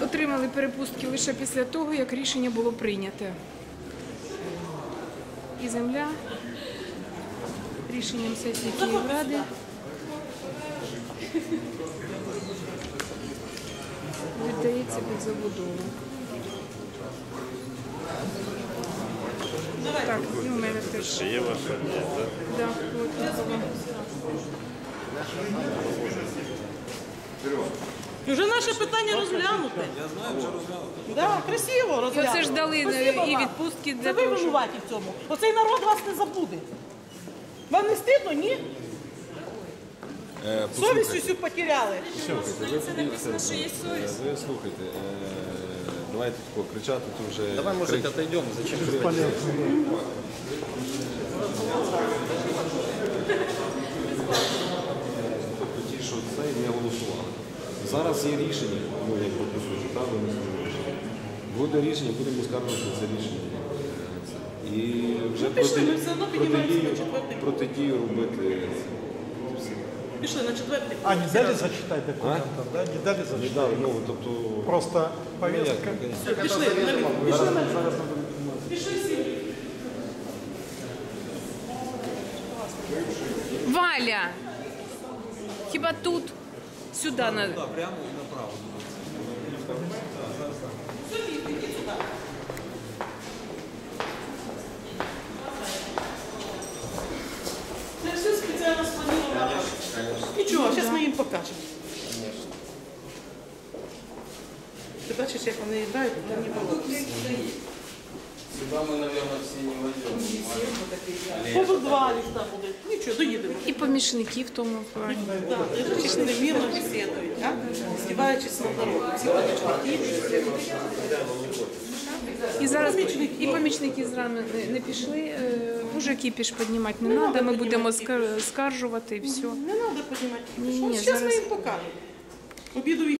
отримали перепустки лише після того, як рішення було прийнято. І земля рішенням сесії Київради віддається під забудову. Так, і у мене теж. Ще є ваша? Да, от воно. І вже наше питання розглянуте. Я знаю, вже розглянуте. Да, красиво розглянуте. І оце ж дали Спасибо і вам. відпустки Це для ви того, щоб... винуваті в цьому. Оцей народ вас не забуде. Вам не стидно, ні? Совість усю потеряли. Ви слухайте, давайте кричати, то вже... Давай, может, отойдем, зачем же Ті, що це не голосували. Зараз є рішення, ну, як по суті, правда, не скажу. Буде рішення, будемо скаржувати це рішення. І вже пішли, ми все одно піднімаємося на четвертий. протидію робити. Пішли на четвертий. А не дали зачитать документов, да? Не дали Не зачитать? дали, ну, тобто... Просто повестка. Пішли, пішли на Пішли всі. Валя! Хіба тут? Сюди надо. прямо направо. Це все спеціально сплановано. Нічого, зараз ми їм покажемо. Ти бачиш, як вони грають, там не було. Сюда мы, наверное, все не войдем. Поза два ліфта буде. Нічого, доїдемо. І помічники в тому плані. Так, лежачись немірно бесідують, а? Здіваючись над народом. Всі помічники. І зараз і помічники зрано не пішли. Уже кіпіш піднімати не треба, ми будемо скаржувати і все. Не треба піднімати. Ні, Зараз ми зараз- їм покажемо. Обіду